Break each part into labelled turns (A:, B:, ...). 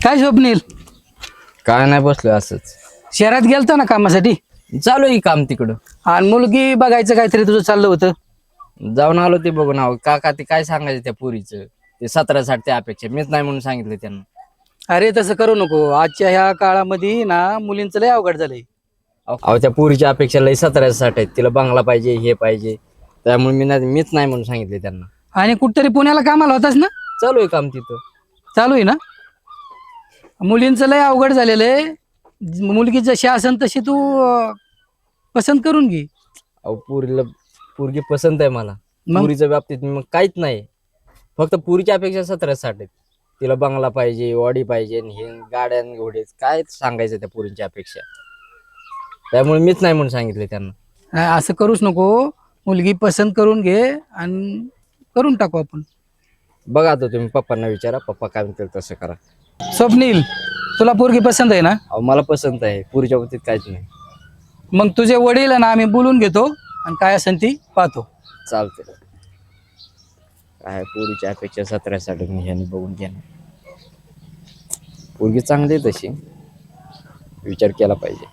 A: काय स्वप्नील,
B: काय नाही बसलोय असंच.
A: शहरात गेलतो ना कामासाठी
B: चालू आहे काम तिकडं.
A: आणि मुलगी बघायचं काहीतरी तुझं चाललं होतं.
B: जाऊन आलो ते बघून आहो. काका ते काय सांगायचं त्या पुरीचं, ते 17-60 ते अपेक्षा मीच नाही म्हणून सांगितलं त्यांना.
A: अरे तसं करू नको. आजच्या ह्या काळामध्ये ना मुलींचं लय अवघड झालंय.
B: अहो त्या पुरीच्या अपेक्षा लई 17-60 आहेत. तिला बंगला पाहिजे, हे पाहिजे, त्यामुळे मीच नाही म्हणून सांगितले त्यांना.
A: आणि कुठतरी पुण्याला कामाला होतास ना?
B: चालू आहे काम तिथं.
A: चालू आहे ना. मुलींचं लय अवघड झालेलं आहे. मुलगी जशी असन तशी तू पसंत करून घे.
B: अहो पोरगी पसंत आहे मला.
A: मग?
B: पुरीच्या बाबतीत मग काहीच नाही, फक्त पुरीच्या अपेक्षा 17-60 आहेत. तिला बंगला पाहिजे, वाडी पाहिजे, हे गाड्या घोडे काय सांगायचं त्या पुरीच्या अपेक्षा. त्यामुळे मीच नाही म्हणून सांगितले त्यांना.
A: असं करूच नको. मुलगी पसंत करून घे आणि करून टाकू आपण.
B: बघा आता तुम्ही पप्पांना विचारा, पप्पा काय म्हणतील तसं करा.
A: स्वप्नील, तुला पोरगी पसंत आहे ना?
B: अहो मला पसंत आहे, पुरीच्या बाबतीत काहीच नाही.
A: मग तुझे वडील ना आम्ही बोलून घेतो आणि काय असेल ती पाहतो.
B: चालते. काय पुरीच्या अपेक्षा 17-60 मी ह्यानी बघून घेणार. पोरगी चांगली आहे तशी, विचार केला पाहिजे.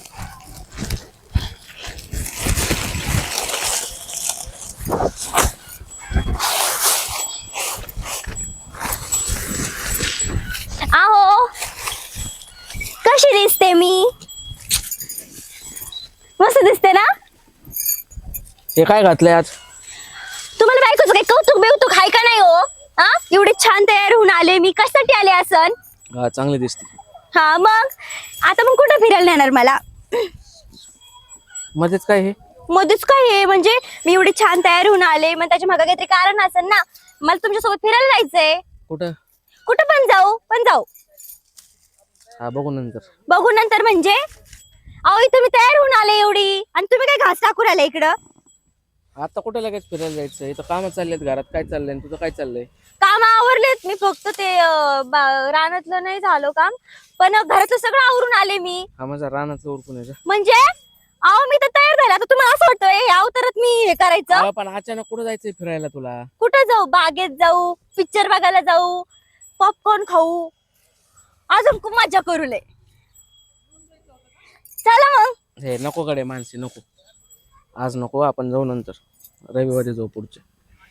C: आहो, कशी दिसते मी? मस्त दिसते ना?
B: हे काय घातलंय आज?
C: तुम्हाला बायकोचं काही कौतुक बेवतुक आहे का नाही हो? हा, एवढे छान तयार होऊन आले मी. कशासाठी आले असन?
B: हा चांगली दिसते.
C: हा मग आता मग कुठं फिरायला नेणार मला?
B: मध्येच काय हे?
C: मध्येच काय हे म्हणजे मी एवढे छान तयार होऊन आले, मग त्याच्या मागे काहीतरी कारण असेल ना. मला तुमच्यासोबत फिरायला जायचंय.
B: कुठं?
C: कुठं पण जाऊ.
B: हा बघू नंतर.
C: बघू नंतर म्हणजे? अहो इथं मी तयार होऊन आले एवढी आणि तुम्ही काय घास टाकून आले इकडं?
B: आता कुठे लगेच फिरायला जायचं? इथं काम चाललेत घरात. काय चाललंय तुझं? काय चाललंय?
C: काम आवरलेत मी, फक्त ते रानातलं नाही झालं काम, पण घरातलं सगळं आवरून आले मी.
B: हा माझा रानातलं उरकून आहे का?
C: म्हणजे अहो मी तर तयार झाले. आता तुम्हाला असं वाटतं हे अवतारात मी हे करायचं?
B: पण अचानक कुठं जायचंय फिरायला तुला?
C: कुठं जाऊ? बागेत जाऊ, पिक्चर बघायला जाऊ, पॉपकॉर्न खाऊ, अजून खूप मजा करू लय. चला मग.
B: हे नको कडे माणसे, नको आज नको. आपण जाऊ नंतर, रविवारी जाऊ पुढच्या.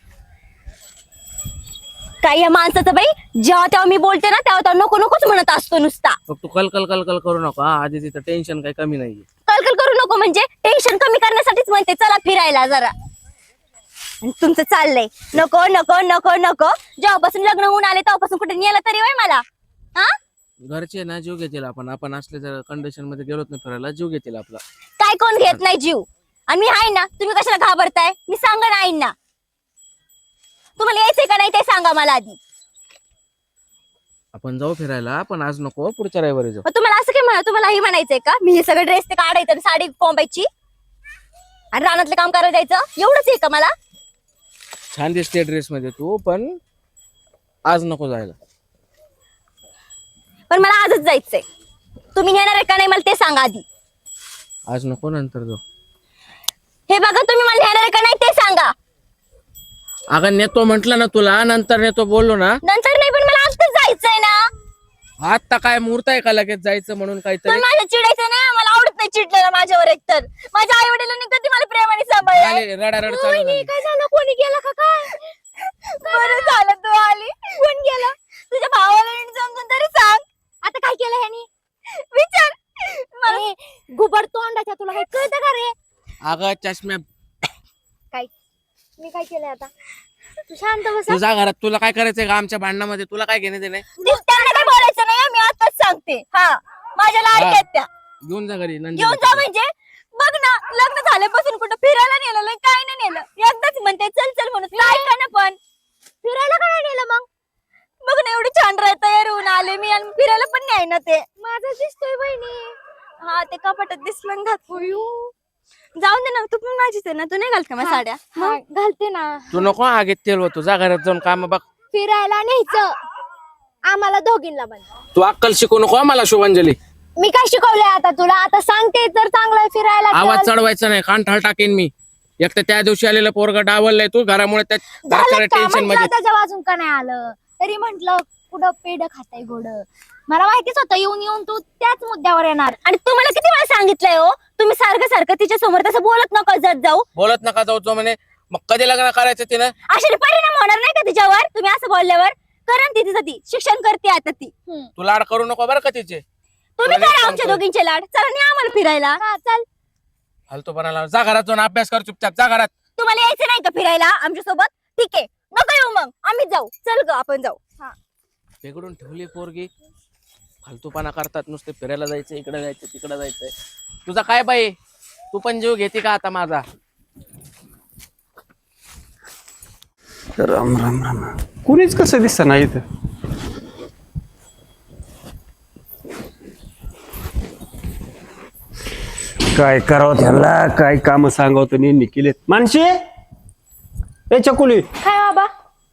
C: काय या माणसाचं बाई, जेव्हा तेव्हा मी बोलते ना तेव्हा नको नकोच म्हणत असतो नुसता.
B: फक्त कल करू नका. आधी तिथं टेन्शन काही कमी नाहीये.
C: कलकल करू नको म्हणजे टेन्शन कमी करण्यासाठीच म्हणते चला फिरायला जरा. आणि तुमचं चाललंय नको नको नको नको. जेव्हापासून लग्न होऊन आले तेव्हापासून कुठे नेलं तरी वय मला? हा,
B: घरचे ना जीव घेतील. आपण असले जर कंडिशन मध्ये गेलोत ना फिरायला, जीव घेतील आपला.
C: काय कोण घेत नाही जीव? आणि मी आहे ना, तुम्ही कशाला घाबरताय? मी सांगा ना आईंना. तुम्हाला यायचंय का नाही ते सांगा मला आधी.
B: आपण जाऊ फिरायला, पण आज नको, पुढच्या रविवारी जाऊ.
C: मग तुम्हाला असं काय म्हणा, तुम्हाला हे म्हणायचंय का मी हे सगळं ड्रेस ते काढायचं आणि साडी कोंबायची आणि रानातलं काम करायला जायचं, एवढंच आहे का मला?
B: छान दिसते ड्रेस मध्ये तू, पण आज नको जायला.
C: पण मला आजच जायचंय. तुम्ही नेणार आहे का नाही मला ते सांगा आधी.
B: आज नको, नंतर जाऊ.
C: हे बघा, तुम्ही मला नेणार आहे का नाही ते सांगा.
B: अगं नेतो म्हंटल ना तुला, नंतर नेतो बोललो ना.
C: नंतर नाही, पण मला आजच जायचंय ना.
B: आता काय मुहूर्त आहे का लगेच जायचं म्हणून काहीतरी?
C: पण माझ्या चिडायचं ना, मला आवडत नाही चिडलेलं माझ्यावर. एकतर माझ्या आई वडिलांनी कधी मला प्रेमाने सांभाळलं.
B: रडारड चालू झाली.
C: काय झालं? कोणी गेला का काय? बरं झालं तू आली. कोण गेला? तुझ्या भावाला नीट समजून तरी सांग. आता काय केलं ह्यानी? विचार मला. गुबड तोंडाच्या, तुला काही कळतं का रे?
B: अगं चष्म्या,
C: काय मी काय केलंय आता? तू शांत बस.
B: तुझ्या घरात तुला काय करायचंय का आमच्या भांडणामध्ये? तुला काय घेणे देणे?
C: त्यांना काय बोलायचं नाही, मी आताच सांगते. हा, माझ्या लाडक्या आहेत त्या.
B: घेऊन जा घरी.
C: घेऊन जा म्हणजे? बघ ना, लग्न झाल्यापासून कुठं फिरायला नेलं नाही, काय नाही नेलं. एकदाच म्हणते चल चल म्हणून, काय का ना, पण फिरायला का नाही नेलं मग? बघ ना, एवढी छान तयार होऊन आले मी आणि फिरायला पण नाही ना. ते माझं दिसतोय बहिणी. हा, ते कपाटात दिसलं घात. जाऊन दे ना, तू पण माझीच आहे ना. तू नाही घालते मग साड्या?
D: घालते ना.
B: तू नको आगीत तेल होतो. जा घरात जाऊन काम बघ.
D: फिरायला न्यायचं आम्हाला दोघींना पण.
B: तू अक्कल शिकू नको मला, शुभांजली.
D: मी काय शिकवलंय आता तुला? आता सांगते तर चांगलं फिरायला
B: आवाज
D: चल.
B: चढवायचा नाही, कान ठाळ टाकेन मी. एक तर त्या दिवशी आलेलं पोरग डावललंय तू घरामुळे,
D: झालं का?
B: टेन्शन
D: म्हटलं
B: मध्ये.
D: त्याच्या वाजून का नाही आलं तरी म्हंटल कुठं पेढ खाताय गोड. मला माहितीच होतं येऊन येऊन तू त्याच मुद्द्यावर येणार.
C: आणि तुम्हाला किती वेळा सांगितलंय हो, तुम्ही सारखं सारखं तिच्या समोर तसं बोलत नका जात जाऊ.
E: बोलत नका जाऊ तो म्हणे. मग कधी लग्न करायचं तिनं?
C: अशाने परिणाम होणार नाही का तिच्यावर? तुम्ही असं बोलल्यावर करण ती तिचं ती शिक्षण करते आता ती.
E: तू लाड करू नको बरं का तिचे.
C: तुम्ही
E: तुला
C: करा
E: नीट
C: आमच्या
E: सांगतोय.
C: दोघींचे लाड. चला नाही आम्हाला फिरायला.
D: हा चल.
E: फालतूपणाला जा घरात जाऊन अभ्यास कर चुपचाप. जा घरात.
C: तुम्हाला यायचं नाही का फिरायला आमच्या सोबत? ठीक आहे, नको येऊ मग, आम्ही जाऊ. चल ग आपण जाऊ.
E: बिघडून ठेवली पोरगी. फालतूपणा करतात नुसते. फिरायला जायचं, इकडे जायचं, तिकडे जायचंय. तुझा काय बाई, तू पण जीव घेते का आता माझा?
F: राम राम राम. कुणीच कसं दिसत नाही इथं. काय करावं त्यांना, काय काम सांगावं तर नेहमी केलेत. मानशी ए चकुली,
D: काय बाबा?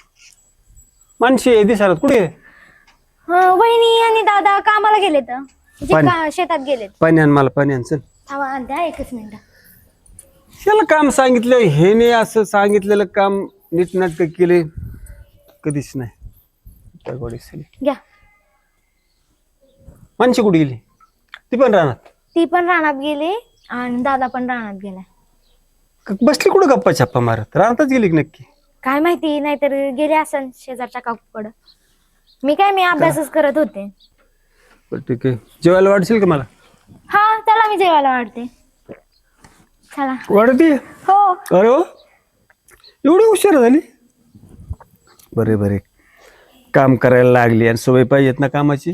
F: मानशी दिसणार कुठे?
D: वहिनी आणि दादा कामाला गेलेत. शेतात गेलेत.
F: पाणी आण मला, पाणी आण चल.
D: थांबा द्या एकच मिनिट.
F: त्याला काम सांगितलं, हेने असं सांगितलेलं काम नीटनाटक केले कधीच नाही. काय गोडी झाली.
D: घ्या.
F: मानशी कुठे गेली? ती पण राहणार.
D: ती पण रानात गेली आणि दादा पण रानात गेलाय.
F: बसली कुठं गप्पा छप्पा मारत? राहतच गेली की नक्की?
D: काय माहिती, नाहीतर गेले असन शेजारच्या काकूकडं. मी अभ्यासच करत होते.
F: बरं ठीक आहे. जेवायला वाढशील का मला?
D: हा चला मी जेवायला वाढते. चला.
F: वाढते?
D: हो.
F: अरे हो, एवढी हुशार झाली. बरे बरे, काम करायला लागली आणि सवय पाहिजेत ना कामाची.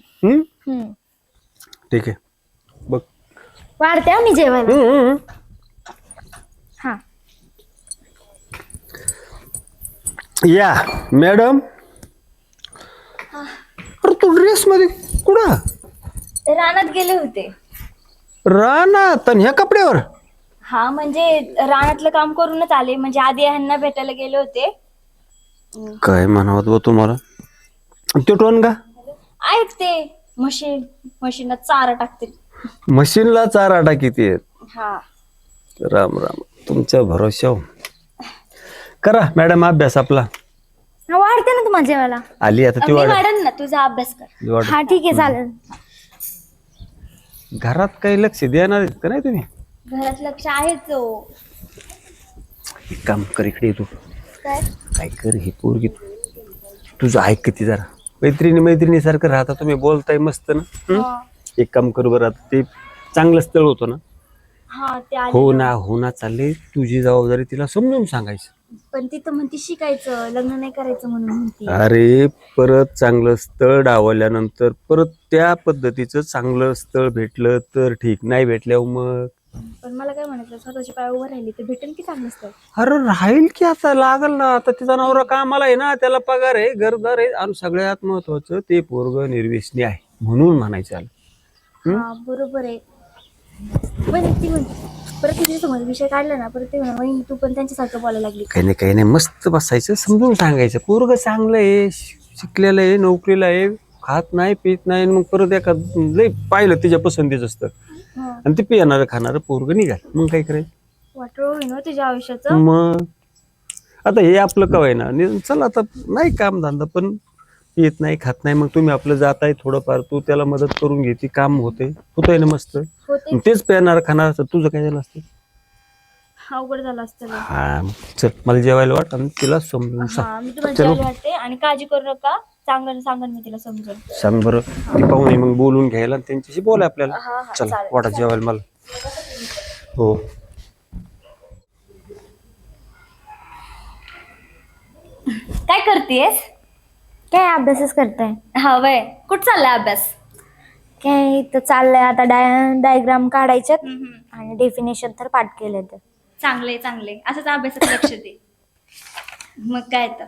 F: ठीक आहे बघ.
D: वाढते हा मी जेवायला. हा
F: या मॅडम. अरे तू ड्रेस मध्ये कुठं?
C: रानात गेले होते.
F: रानात आणि ह्या कपड्यावर?
C: हा म्हणजे रानातलं काम करूनच आले. म्हणजे आधी ह्यांना भेटायला गेले होते.
F: काय म्हणावत बा तुम्हाला? तो टोन का
C: ऐकते मशीनात चारा टाकते.
F: मशीनला चारा टाकीते.
C: हा
F: राम राम, तुमच्या भरोश्यावर करा मॅडम अभ्यास आपला.
D: वाढते ना तुम्हाला जेवायला.
F: आली आता ती
C: मी
F: वाढ.
C: वाढन ना, तुझा अभ्यास कर.
D: हा ठीक आहे चालेल.
F: घरात काही लक्ष देणार आहेत का नाही तुम्ही?
C: घरात लक्ष आहेच हो.
F: एक काम कर, इकडे ये तू.
C: काय?
F: काय कर, हे पोरगी तुझं ऐक किती जरा. मैत्रिणी सारखं राहता तुम्ही, बोलताय मस्त ना. एक काम करू बरं, आता ते चांगलं स्थळ होतं ना.
C: हा ते आले
F: हो ना हो ना चालले. तुझी जबाबदारी तिला समजून सांगायचं.
C: पण ती तर म्हणती शिकायचं, लग्न नाही करायचं म्हणून म्हणती.
F: अरे परत चांगलं स्थळ डावल्यानंतर परत त्या पद्धतीचं चांगलं स्थळ भेटलं तर ठीक, नाही भेटल्यावर मग.
C: पण मला काय म्हणायचं, स्वतःच्या पायावर उभं राहिली तर भेटेल की चांगलं असतं.
F: अरे राहील की, आता लागल ना. आता तिचा नवरा कामाला आहे ना, त्याला पगार आहे, घरदार आहे, आणि सगळ्यात महत्वाचं ते पोरग निर्व्यसनी आहे म्हणून म्हणायचं आलं.
C: हा बरोबर आहे. पण ती म्हणते परत तिच्या समोर विषय काढला ना, परत ते म्हणा वहिनी तू पण त्यांच्यासारखं बोलायला लागली.
F: काही नाही मस्त बसायचं, समजून सांगायचं. पोरग चांगलं आहे, शिकलेलं आहे, नोकरीला आहे, खात नाही पित नाही, मग परत एका लय पाहिलं तिच्या पसंतीच असतं आणि ते पिणारं खाणारं पोरग निघाल, मग काय करायचं?
C: वाटोळ होईन हो तुझ्या आयुष्याचं.
F: मग आता हे आपलं कवाय ना. चला आता नाही काम धंदा, पण येत नाही खात नाही, मग तुम्ही आपलं जाताय थोडंफार, तू त्याला मदत करून घेते, काम होतंय ना मस्त.
C: होते.
F: तेच पेणार खाणार असतं, तुझं काय झालं असतं?
C: अवघड झालं असतं.
F: हा चल, मला जेवायला वाट आणि तिला समजून
C: हा मी तुम्हाला
F: चलो.
C: जेवायला वाटते आणि काळजी करू नका. सांगन मी तिला समजून.
F: सांग बरं. ती पाहुणे मग बोलून घ्यायला आणि त्यांच्याशी बोला आपल्याला.
C: हा, हा,
F: चला
C: चालेल,
F: वाटा जेवायला मला. हो
C: काय करतेस?
D: काय अभ्यासच करताय?
C: हा वय कुठं चाललाय अभ्यास?
D: काय इथं चाललंय आता डायग्राम काढायच्यात आणि डेफिनेशन तर पाठ केले. तर
C: चांगले असंच अभ्यासात लक्ष दे. मग काय तर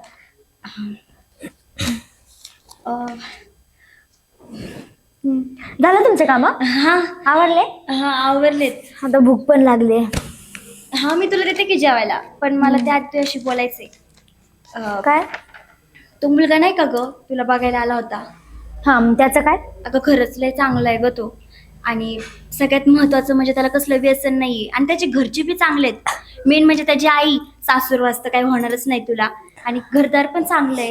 D: झालं तुमचे काम?
C: हा
D: आवडले?
C: हा आवरलेत.
D: आता भूक पण लागली.
C: हा मी तुला देते की जेवायला, पण मला त्या तुझ्याशी बोलायचंय.
D: काय?
C: तो मुलगा नाही का ग तुला बघायला आला होता?
D: हा मग त्याचं काय?
C: अगं खरंच लय चांगला आहे ग तो. आणि सगळ्यात महत्वाचं म्हणजे त्याला कसलं व्यसन नाहीये आणि त्याचे घरचे बी चांगले आहेत. मेन म्हणजे त्याची आई सासूर वाजता काही होणारच नाही तुला. आणि घरदार पण चांगलं आहे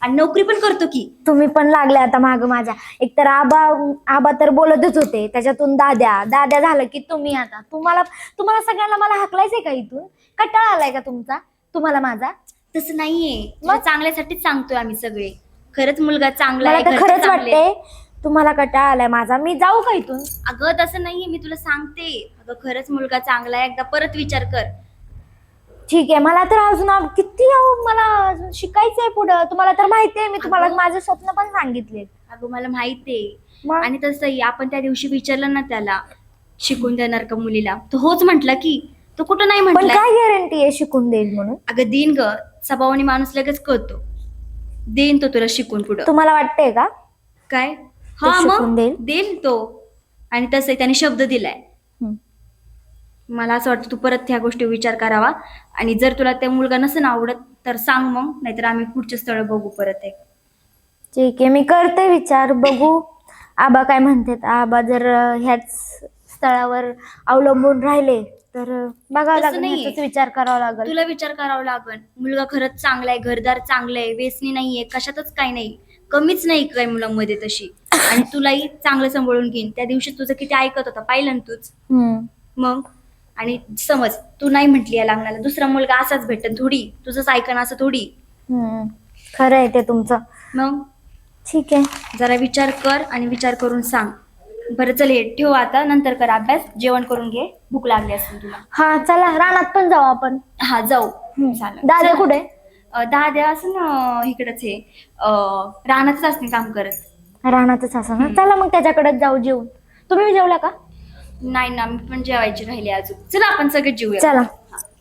C: आणि नोकरी पण करतो की.
D: तुम्ही पण लागले आता माग माझ्या. एकतर आबा तर बोलतच होते, त्याच्यातून दाद्या झालं की तुम्ही. आता तुम्हाला सगळ्यांना मला हाकलायचंय का इथून? कंटाळा आलाय का तुम्हाला माझा?
C: तसं नाहीये, तुझ्या चांगल्यासाठीच सांगतोय आम्ही सगळे. खरंच मुलगा चांगला
D: मला
C: आहे,
D: तर
C: घरचे
D: खरंच
C: चांगले.
D: वाटते तुम्हाला कंटाळा आलाय माझा. मी जाऊ का इथून?
C: अगं तसं नाहीये, मी तुला सांगते. अगं खरंच मुलगा चांगला आहे, एकदा परत विचार कर.
D: ठीक आहे. मला तर अजून किती मला अजून शिकायचंय पुढं. तुम्हाला तर माहितीये, मी तुम्हाला माझे स्वप्न पण सांगितले.
C: अगं मला माहितीये.
D: मग?
C: आणि तसंही आपण त्या दिवशी विचारलं ना त्याला, शिकून देणार का मुलीला, तो होच म्हटला की. तो कुठं नाही
D: पण
C: म्हटला.
D: काय गॅरंटी आहे शिकून देईल म्हणून?
C: अगं देईन ग, स्वभावाने माणूस लगेच कळतो. देईन तो तुला शिकून पुढं.
D: तुम्हाला वाटतंय का?
C: काय? हा
D: शिकून
C: मग
D: देईल?
C: देईल तो. आणि तसंही त्याने शब्द दिलाय.
D: हम्म.
C: मला असं वाटतं तू परत ह्या गोष्टी विचार करावा. आणि जर तुला त्या मुलगा नसेल आवडत तर सांग मग, नाहीतर आम्ही पुढचे स्थळ बघू परत एक.
D: ठीक आहे, मी करते विचार, बघू आबा काय म्हणतात. आबा जर ह्याच स्थळावर अवलंबून राहिले तर बघावं
C: तसं
D: लागेल,
C: नाहीये.
D: ह्याचाच विचार करावा लागेल.
C: तुला विचार करावा लागल. मुलगा खरंच चांगला आहे, घरदार चांगलं आहे, व्यसनी नाहीये, कशातच काही नाही, कमीच नाही काही मुलांमध्ये तशी. आणि तुलाही चांगलं सांभाळून घेईन. त्या दिवशी तुझं किती ऐकत होता पाहिलं ना तूच. मग आणि समज तू नाही म्हटली या लग्नाला, दुसरा मुलगा असाच भेटन थोडी, तुझंच ऐकन असं थोडी.
D: खरं आहे ते तुमचं.
C: मग
D: ठीक आहे,
C: जरा विचार कर आणि विचार करून सांग. बरं चल ये, ठेव आता, नंतर कर अभ्यास, जेवण करून घे, भूक लागली असेल तुला.
D: हा चला रानात पण जाऊ आपण.
C: हा जाऊ. चालेल.
D: दादा कुठे?
C: दादा असं ना इकडंच हे रानातच असते काम करत.
D: रानातच असं ना. चला मग त्याच्याकडेच जाऊ जेवून. तुम्ही जेवला का?
C: नाही ना, मी पण जेवायची राहिली अजून. चला आपण सगळे जेऊया.
D: चला.
C: हा.